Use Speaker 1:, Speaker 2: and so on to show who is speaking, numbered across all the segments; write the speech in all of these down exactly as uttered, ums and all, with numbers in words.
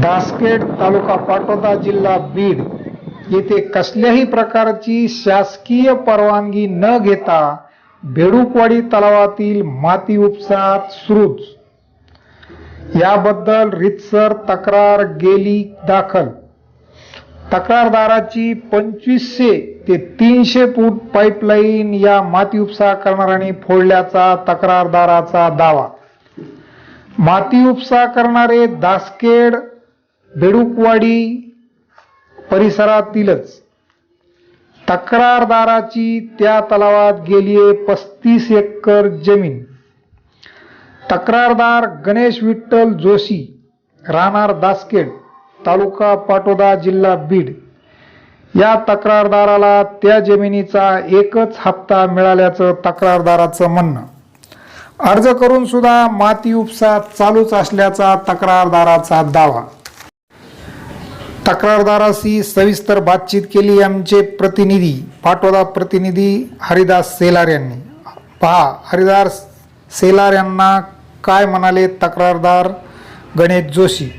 Speaker 1: दासखेड तालुका पाटोदा जिल्हा बीड येथे कसल्याही प्रकारची शासकीय परवानगी न घेता बेडूकवाडी तलावातील माती उपसा सुरूच, याबद्दल रीतसर तक्रार गेली दाखल। तक्रारदाराची पंचवीसशे ते तीनशे फूट पाईपलाईन या माती उपसा करणाऱ्यांनी फोडल्याचा तक्रारदाराचा दावा। माती उपसा करणारे दासखेड बेडूकवाडी परिसरातीलच। तक्रारदाराची त्या तलावात गेलीये पस्तीस एकर जमीन। तक्रारदार गणेश विठ्ठल जोशी, राहणार दासखेड, तालुका पाटोदा, जिल्हा बीड, या तक्रारदाराला त्या जमिनीचा एकच हप्ता मिळाल्याचं तक्रारदाराचं म्हणणं। अर्ज करून सुद्धा माती उपसा चालूच असल्याचा तक्रारदाराचा दावा। तक्रारदाराशी सविस्तर बातचीत केली आमचे प्रतिनिधी, पाटोदा प्रतिनिधी हरिदास सेलार यांनी। पहा हरिदास सेलार यांना काय म्हणाले तक्रारदार गणेश जोशी।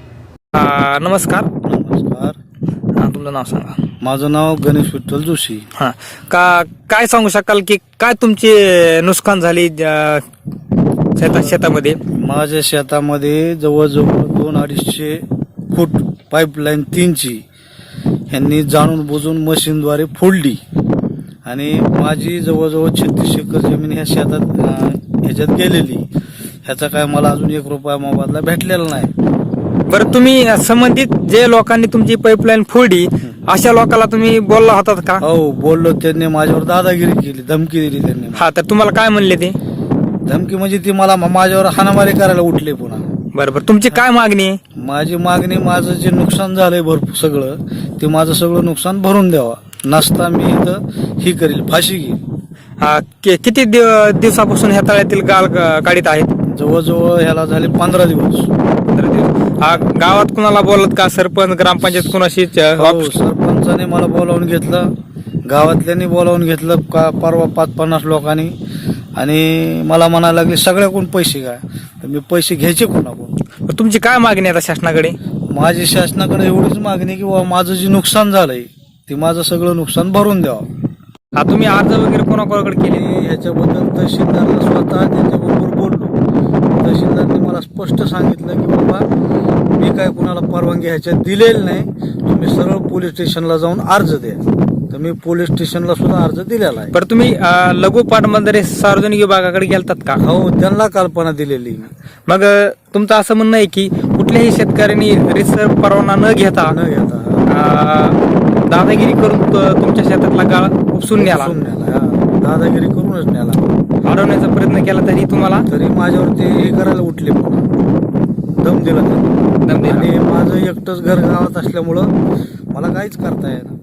Speaker 2: आ, नमस्कार
Speaker 3: नमस्कार,
Speaker 2: हा, तुमचं नाव सांगा।
Speaker 3: माझं नाव गणेश विठ्ठल जोशी।
Speaker 2: हा, का काय सांगू शकाल की काय तुमची नुकसान झाली अ, शेता शेतामध्ये?
Speaker 3: माझ्या शेतामध्ये जवळजवळ दोन अडीचशे फूट पाईपलाईन तीनची ह्यांनी जाणून बुजून मशीनद्वारे फोडली आणि माझी जवळजवळ छत्तीस एकर जमीन ह्या शेतात अ, ह्याच्यात गेलेली। ह्याचा काय मला अजून एक रुपया मोबदला भेटलेला नाही।
Speaker 2: बरं, तुम्ही संबंधित जे लोकांनी तुमची पाईपलाईन फोडली अशा लोकांना तुम्ही बोलला होतात का?
Speaker 3: हो बोललो, त्यांनी माझ्यावर दादागिरी केली, धमकी दिली त्यांनी।
Speaker 2: हा, तर तुम्हाला काय म्हणले ते?
Speaker 3: धमकी म्हणजे ती मला माझ्यावर हाणामारी करायला उठले पुन्हा।
Speaker 2: बरं बरं, तुमची काय मागणी आहे?
Speaker 3: माझी मागणी, माझं जे नुकसान झालंय भरपूर सगळं, ते माझं सगळं नुकसान भरून द्यावा, नसता मी इथं ही करील, फाशी घेईल।
Speaker 2: हा, कि- किती दिव- दिवसापासून ह्या तळ्यातील गाळ ग- काढीत आहेत?
Speaker 3: जवळजवळ ह्याला झाले पंधरा दिवस।
Speaker 2: पंधरा दिवस। हा, गावात कुणाला बोलत का? सरपंच, ग्रामपंचायत कुणाशी?
Speaker 3: हो, सरपंचाने मला बोलावून घेतलं, गावातल्यांनी बोलावून घेतलं, का परवा पाच पन्नास लोकांनी, आणि मला म्हणायला लागले सगळ्याकडून पैसे काय, तर मी पैसे घ्यायचे कोणाकडून?
Speaker 2: तुमची काय मागणी आहे आता शासनाकडे?
Speaker 3: माझी शासनाकडे एवढीच मागणी की बाबा माझं जे नुकसान झालंय ते माझं सगळं नुकसान भरून द्यावं।
Speaker 2: हा, तुम्ही अर्ज वगैरे कोणाकोणाकडे केले?
Speaker 3: मी ह्याच्याबद्दल तहसीलदारला स्वतः त्यांच्याबरोबर बोललो। तहसीलदारने मला स्पष्ट सांगितलं की बाबा मी काय कुणाला परवानगी ह्याच्यात दिलेली नाही, तुम्ही सरळ पोलीस स्टेशनला जाऊन अर्ज द्या। तर मी पोलीस स्टेशनला सुद्धा अर्ज दिलेला आहे।
Speaker 2: बरं, तुम्ही अ, लघु पाटबंधारे सार्वजनिक विभागाकडे गेलतात का?
Speaker 3: हो, त्यांना कल्पना दिलेली।
Speaker 2: मग अ, तुमचं असं म्हणणं आहे की कुठल्याही शेतकऱ्यांनी रीतसर परवाना न घेता
Speaker 3: न घेता
Speaker 2: अ, दादागिरी करून त- तुमच्या शेतातला गाळ उपसून न्याला,
Speaker 3: उपसून न्याला, हा, दादागिरी करूनच न्याला,
Speaker 2: अडवण्याचा प्रयत्न केला तरी तुम्हाला
Speaker 3: तरी माझ्यावर ते हे करायला उठले, पुन्हा दम दिला त्यांनी।
Speaker 2: दम दिला.
Speaker 3: आणि माझं एकटंच घर गावात असल्यामुळं मला काहीच करता येणार।